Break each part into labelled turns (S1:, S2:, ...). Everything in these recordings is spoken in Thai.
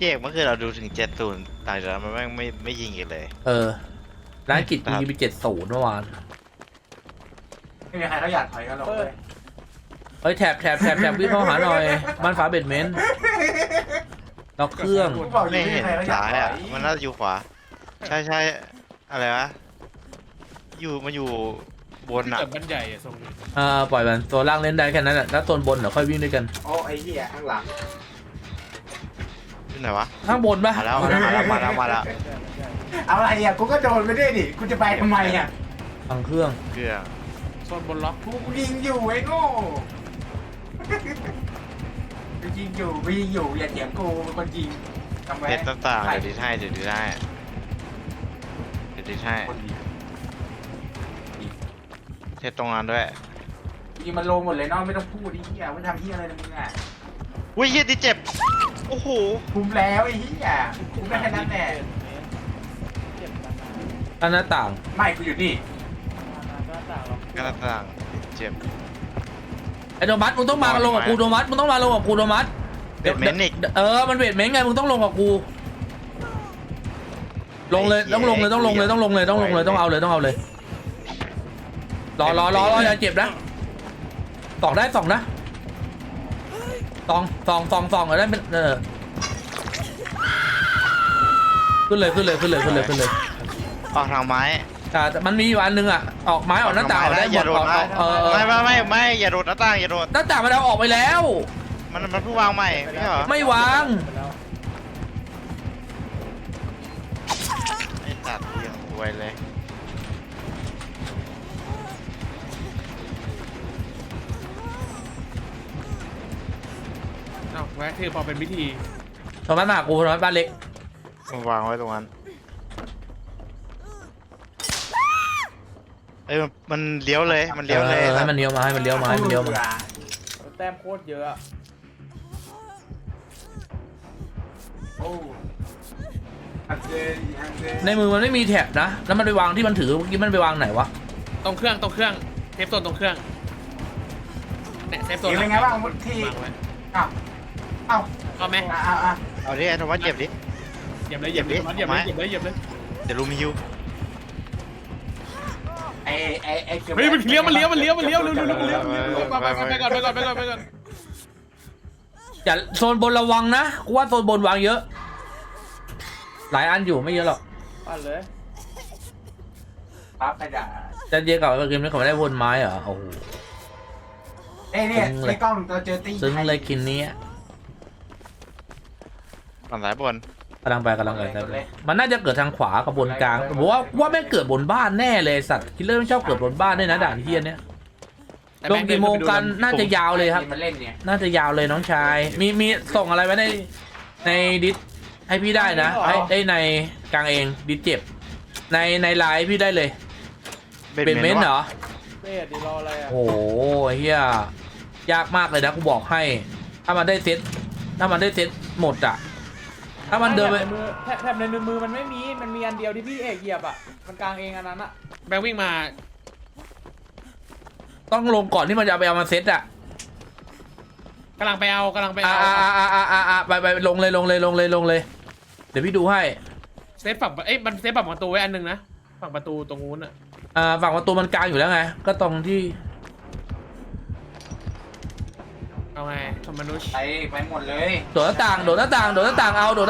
S1: พี่เอกเมื่อคืนเราดูถึง70ต่างจากนั้นมันไม่ยิงกันเลย
S2: ร้านกิจยิงไป70เมื่อวาน
S3: ไม่มีใครเขาอยากถอยกันหรอกเลย
S2: เฮ้ยแถบวิ่งเข้าหาหน่อยบ้านฟ้าเบดเมนต์ล็อกเครื่อง
S1: ไม่เห็นซ้ายอ่ะมันน่าจะอยู่ขวาใช่อะไรวะมันอยู่บนอ่ะ
S4: แต่บ้านใหญ่อะทรงนี้
S2: ปล่อยมันตัวล่างเล่นได้แค่นั้นแหละแล้วตัวบนเดี๋ยวค่อยวิ่งด้วยกัน
S3: โอ้ไอ้เหี้ยข้างหลัง
S1: ที่ไหนวะ
S2: ข้างบนปะ
S1: มาแล้ว
S3: เอาอะไรอ่ะกูก็โดนไปด้วยดิกูจะไปทำไมอ่ะ
S2: ฟังเครื่อง
S4: โซนบนล็อก
S3: กูยิงอยู่ไอ้โง่กูยิงอยู่อย่าเถียงกูเป็นคนยิงทำไม
S1: เพชรต่างๆเดี๋ยวดีให้เพชรตรงนั้นด้วย
S3: ยิงมันลงหมดเลยเนาะไม่ต้องพูดไอ้เหี้ยไม่ทำเหี้ยอะไรเลยมึงอ่ะ
S1: อุ้ยเหี้ยที่เจ็บโอ้โห
S3: คุมแล้วไอ้เหี้ยคุมได้แค่นั้นแหละ
S2: อันหน้าต่าง
S3: ไม่กูอยู่นี่
S1: หน้าต่างเจ็บ
S2: ไอ้โดมัสมึงต้องมาลงกับกูโดมัสมึงต้องมาลงกับกูโดมัส
S1: เวทเมนต์อีก
S2: มันเวทเมนต์ไงมึงต้องลงกับกูลงเลยต้องเอาเลยรออย่าเจ็บนะสองได้สองนะสองอะไรเป็นขึ้นเลย
S1: ออกทางไม้
S2: แต่มันมีอยู่อันนึงอ่ะออกไม้ออกหน้าต่างได้หมด
S1: ไม่อย่าโดดหน้าต่าง
S2: หน้าต่างมันเอาออกไปแล้ว
S1: มันเพิ่งวางใหม่ไม่ใช่เหรอ
S2: ไม่วาง
S1: ไอ้ตัดเรื่องรวยเลย
S4: แวะคือพอเป็นวิธี
S2: โทรมาหากูโทรมาบ้านเล็ก
S1: วางไว้ตรงนั้นมันเลี้ยวเลยให้มันเลี้ยวมา
S4: แต้มโคตรเยอะ
S2: ในมือมันไม่มีแถบนะแล้วมันไปวางที่มันถือเมื่อกี้มันไปวางไหนวะ
S4: ตรงเครื่องเทปโซนตรงเครื่องเนี่ยเทปโซน
S3: เป็นไงบ้างที่
S4: เอาไหม
S1: เอาดิไอ้โทมัสเจ็บดิ
S4: เหยียบเลยเดี๋
S1: ยวลูมิฮิว
S3: ไอ้
S4: เฮ้ยมันเลี้ยวเร็วไปก่อน
S2: อย่าโซนบนระวังนะกูว่าโซนบนวางเยอะหลายอันอยู่ไม่เยอะหรอก
S4: ปั้นเลย
S3: ปั๊บไปด่า
S2: จะเยอะกับเกมนี้เขาไม่ได้บนไม้เหรอโอ้โห
S3: เนี่ยไอ้กล้องตัวเจอตี
S2: ซึ้งเลยคินนี้
S1: ฝั่งซ้ายบน
S2: กำลังไปมันน่าจะเกิดทางขวากับบนกลางผมว่าแม่งเกิดบนบ้านแน่เลยสัตว์คิลเลอร์ไม่ชอบเกิดบนบ้านด้วยนะด่านเฮียเนี่ยลงกี่โมงกันน่าจะยาวเลยครับน่าจะยาวเลยน้องชายมีส่งอะไรไว้ในดิสให้พี่ได้นะไอ้ในกลางเองดิสเจ็บในไลน์พี่ได้เลยเป็นเมนเหรอ
S4: เบสดีรออะไรอ่ะ
S2: โอ้เฮียยากมากเลยนะกูบอกให้ถ้ามันได้เซ็ตหมดอ่ะถ้ามันเดินไป
S4: แถบในมือมันไม่มีมันมีอันเดียวที่พี่เอกเหยียบอ่ะมันกลางเองอันนั้นอ่ะแบงวิ่งมา
S2: ต้องลงก่อนที่มันจะไปเอามาเซ็ตอ่ะ
S4: กำลังไปเอา
S2: ไปลงเลยเดี๋ยวพี่ดูให้
S4: เซฟฝั่งมันเซฟฝั่งประตูไว้อันนึงนะฝั่งประตูตรงนู้นอ่ะ
S2: ฝั่งประตูมันกลางอยู่แล้วไงก็ตรงที่
S4: เอาไงทำมนุษย์
S3: ไปหมดเลย
S2: โดดหน้าต่างเอาโดดหน้าต่างเอาโดด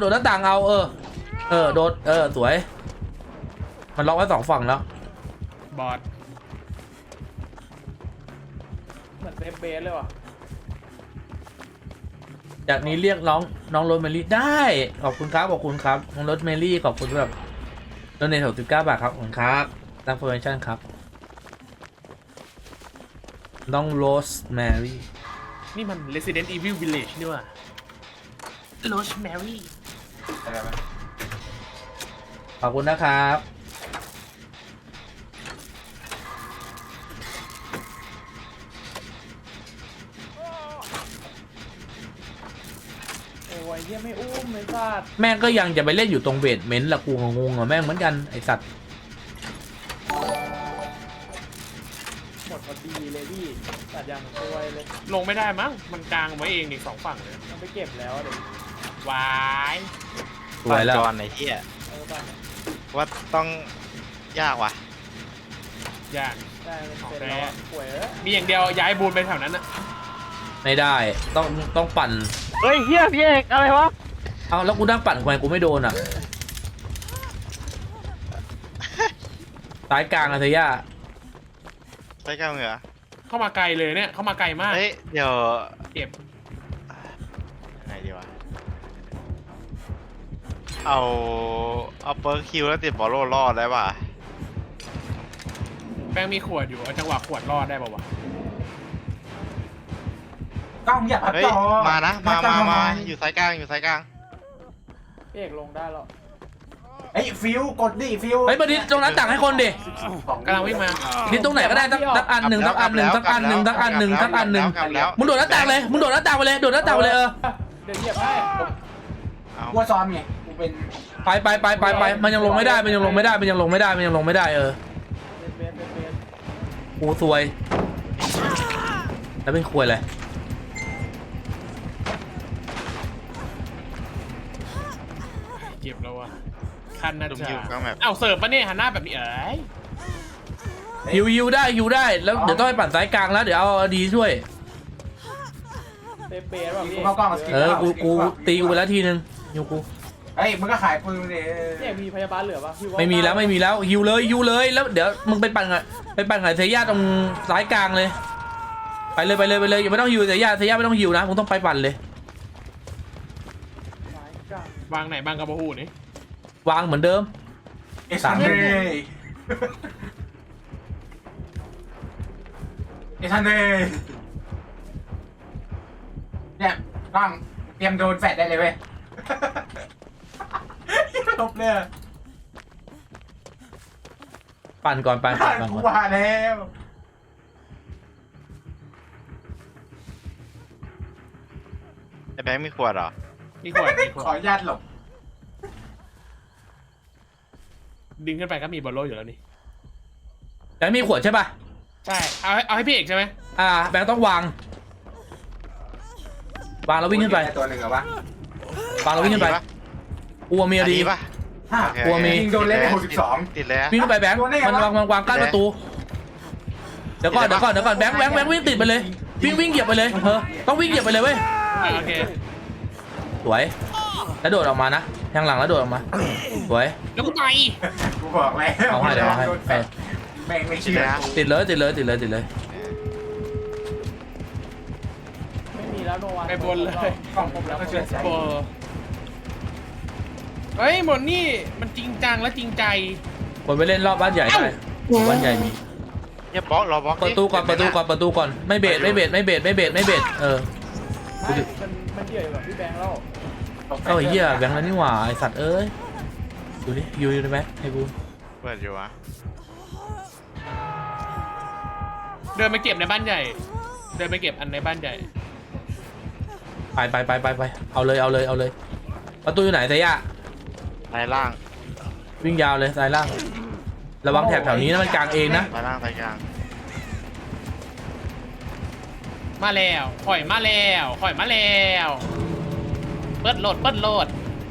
S2: สวยมันล็อกไว้2ฝั่งแล้ว
S4: บอดเหมือนเซฟเบสเลยว่ะ
S2: จากนี้เรียกน้องโรสเมลี่ได้ขอบคุณครับน้องโรสเมลี่ขอบคุณแบบโดเนท69 บาทครับขอบคุณครับตั้งโปรโมชั่นครับน้องโรสแมรี่
S4: นี่มัน Resident Evil Village นี่ว่ะ Rosemary
S2: ขอบคุณนะครับ
S4: โอ้ยเหี้ยไม่อุ้มไอ้สัตว์
S2: แม่งก็ยังจะไปเล่นอยู่ตรงเบสเมนต์ละกูงงแม่งเหมือนกันไอ้สัตว์
S4: หมดพอดีเลยพี่ตัดอย่างสวยเลยลงไม่ได้มั้งมันกลางไว้เองอีก2ฝั่งเลยมันไปเก็บแล้วเดี๋ยว
S5: วาย
S2: สวยแล้ว
S1: ก่อนไอ้เหี้ย
S4: ปั่น
S1: ว่าต้องยากว่ะ
S5: ยาก
S4: ได้มันเสร็จแล้วอะป่วยเอ้ย
S5: มีอย่างเดียวย้ายบูนไปแถวนั้นอะ
S2: ไม่ได้ต้องปั่น
S1: เฮ้ยเหี้ยพี่เอกอะไรวะ
S2: เอาแล้วกูนั่งปั่นทำไมกูไม่โดนอ่ะสายกลางอะเทย่า
S1: ไปกลางเหรอ
S5: เข้ามาไกลเลยเนี่ยเข้ามาไกลมาก
S1: เฮ้ยเดี๋ยว
S5: เก็บ
S1: ยังไงดีวะเอาเปิร์คคิวแล้วติดบอลโล่รอดได้ป่ะ
S5: แป้งมีขวดอยู่เอาจังหวะขวดรอดได้ป่าวะ
S3: กล้องอย่าพัด
S1: เฮ้ย
S3: จอ
S1: มานะมา
S3: พัดจอ
S1: มา
S3: ทำไ
S1: อยู่สายกลางอยู่สายกลาง
S4: พี่เอกลงได้แล้ว
S3: เฮ้ยฟิวกดดิฟิว
S2: เฮ้ยมาดิตรงหน้าต่างให้คนดิ
S5: กำลังวิ่งมา
S2: ดิตรงไหนก็ได้สักอันหนึ่งสักอันหนึ่งสักอันหนึ่งสักอันหนึ่งสักอันหนึ่ง
S1: กลับแล้ว
S2: มึงโดดหน้าต่างเลยมึงโดดหน้าต่างไปเลยโดดหน้าต่างไปเลยเออ
S4: เดี๋ยวเหยียบให้
S1: เอา
S3: กลัวซ้อมไงกูเป็น
S2: ไปมันยังลงไม่ได้มันยังลงไม่ได้มันยังลงไม่ได้มันยังลงไม่ได้เออ
S4: เบส
S2: กูซวย แล้วเป็นควยเลย
S5: เก็บแล้ววะคันน่า
S1: ลุม
S5: จะ
S1: อยู่กลางแบบ
S5: เอ้าเสิร์ฟปะเนี่ยหันหน้าแบบนี้เอ้ย
S2: ฮิวได้แล้วเดี๋ยวต้องไปปั่นสายกลางแล้วเดี๋ยวเอาดีช่วย
S4: เบสแบบ
S3: กู
S4: นี้
S3: เข้ากล้องกับสกิล
S2: กูตีกูไปแล้วทีนึงฮิวกู
S3: เฮ้ยมึงก็ขายปืนเลย
S4: เนี่ยมีพยาบาลเหลือปะพี่ว่า
S2: ไม่มีแล้วฮิวเลยแล้วเดี๋ยวมึงไปปั่นกับเทย่าตรงสายกลางเลยไปเลยอย่าไม่ต้องฮิวเทย่าไม่ต้องฮิวนะมึงต้องไปปั่นเลย
S4: สายกลาง
S5: วางไหนบางกระบอกหูนี่
S2: วางเหมือนเดิม
S3: เอซันเดย์เนี่ยกล้องเตรียมโดนแฟดได้เลยเว้ยลบเลย
S2: ปั่นก่อน
S3: กูว่าแล้ว
S1: ไอ้แบงค์มีขวดเหรอ
S5: มีขวดมีข
S3: ขอ
S5: ว
S3: อ
S5: ด
S3: นุญาตหลบ
S5: ดึงขึ้นไปก็มีบอลโลอยู่แล้วนี่
S2: แบงค์มีขวดใช่ป่ะ
S5: ใช่เอาให้พี่เอกใช่ไหม
S2: แบงค์ต้องวางแล้ววิ่งขึ้นไป
S3: ตัวหนึ่งเหรอวะ
S2: วางแล้ววิ่งขึ้นไปกลัวเมียดี
S1: ป่ะ
S3: ห้า
S1: โอเค
S2: กลัวมี
S3: ยิงโดนเล่นไป62
S1: ติดแล้ว
S2: วิ่งขึ้นไปแบงค์มันวางกั้นประตูเดี๋ยวก่อนแบงค์วิ่งติดไปเลยวิ่งเหยียบไปเลยต้องวิ่งเหยียบไปเลยเว้ย
S5: โอเค
S2: สวยแล้วโดดออกมานะทางหลังแล้วโดดออกมาสวย
S5: แล้วกูไป
S3: กูบอกแล้ว
S2: เอาให้เดี๋ยวเอาให้
S3: แม่งไม่เชื่อ
S2: ติดเลย
S4: ไม่มีแล้วโนวัน
S5: ไปบนเลย
S3: กล้องผมแล้วก็เชื่อใจ
S5: โบเฮ้ยหมดนี่มันจริงจังและจริงใจ
S2: คนไปเล่นรอบบ้านใหญ่ได้บ้านใหญ่มี
S1: เนี่ยบล็อกรอบล็อก
S2: ประตูก่อนไม่เบรดเออ
S4: ไม่มันเดี่ยวอยู่กับพี่แบงค์แล้ว
S2: เหี้ยแบงค์แล้วนี่หว่าไอสัตว์เอ้ยดูดิอยู่ได้ไหมให้กู
S1: เปิดอยู่วะ
S5: เดินไปเก็บในบ้านใหญ่ เดินไปเก็บอันในบ้านใหญ่
S2: ไปเอาเลยประตูอยู่ไหนเทย่า
S1: สายล่าง
S2: วิ่งยาวเลยซ้ายล่างระวังแถบแถวนี้นะมันกลางเองนะ
S1: สายล่างสายกลาง
S5: มาแล้วข่อยมาแล้วเปิดโหลด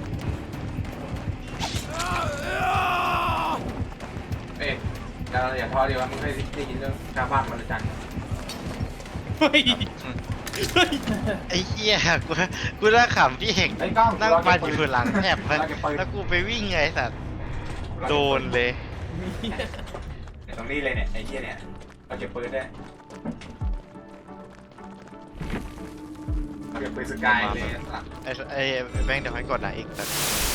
S3: เอ๊ะอย่าท้อดีว่ามึงเคยได้ยินเรื่องชาวบ้านมันจัน
S5: เฮ้ย
S1: ไอ้เหี้ยกูน่าขำพี่เอก
S3: ไอ้กล้อง
S1: นั่งปันอยู่หลังแอบแล้วกูไปวิ่งไงไอ้สัตว์โดนเลย
S3: ตรงนี้เลยเนี่ยไอ้เหี้ยเนี่ยเราเก็บปืนได้เราเก็บปืนสกายเลย
S1: ไอ้แบงค์เดี๋ยวให้กดนะอีกสัตว์